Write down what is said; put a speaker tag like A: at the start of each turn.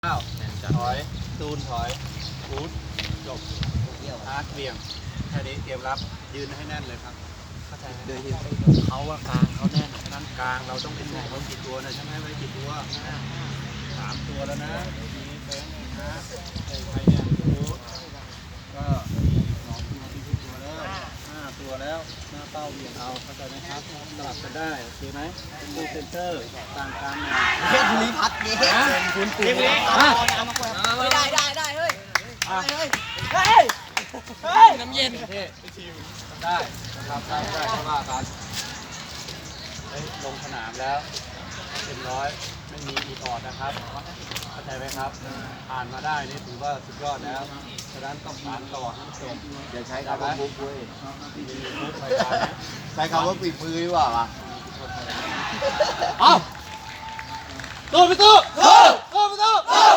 A: อ้าวถอยตูนถอยฟูดจบอาร์ตเบี่ยงแค่นี้เตรียมรับยืนให้แน่นเลยครับเข้าใจไหมโดยที่เขาว่ากลางเขาแน่นฉะนั้นกลางเราต้องเป็นเขากี่ตัวนะใช่ไหมไว้กี่ตัว3 ตัวแล้วนะมีเฟ้งนะใครเนี่ยฟูดก็2 ตัวตัวแล้ว5 ตัวแล้วหน้าเป้าเบี่ยงเอาเข้าใจไหมครับสลับกันได้โอเคไหมเป็นดูเซนเตอร์ต่างกันนะ
B: เฮ้ยภูริพัฒน์เย้
A: คุณตี
B: ได้เฮ้ยน้ำเย็น
A: ได้นะครับได้ก็ว่ากันลงสนามแล้วเต็มร้อยไม่มีอีออดนะครับเข้าใจไหมครับผ่านมาได้นี่ถือว่าสุดยอดแล้วฉะนั้นต้องผ่านต่อให้จบ
B: อย่าใช้คำว่าบุ๊กเว้ย
A: ใช้
B: คำว่าปีมือดีกว่าป่ะ
A: เอาตู้ไปตู้ตู้ไปตู้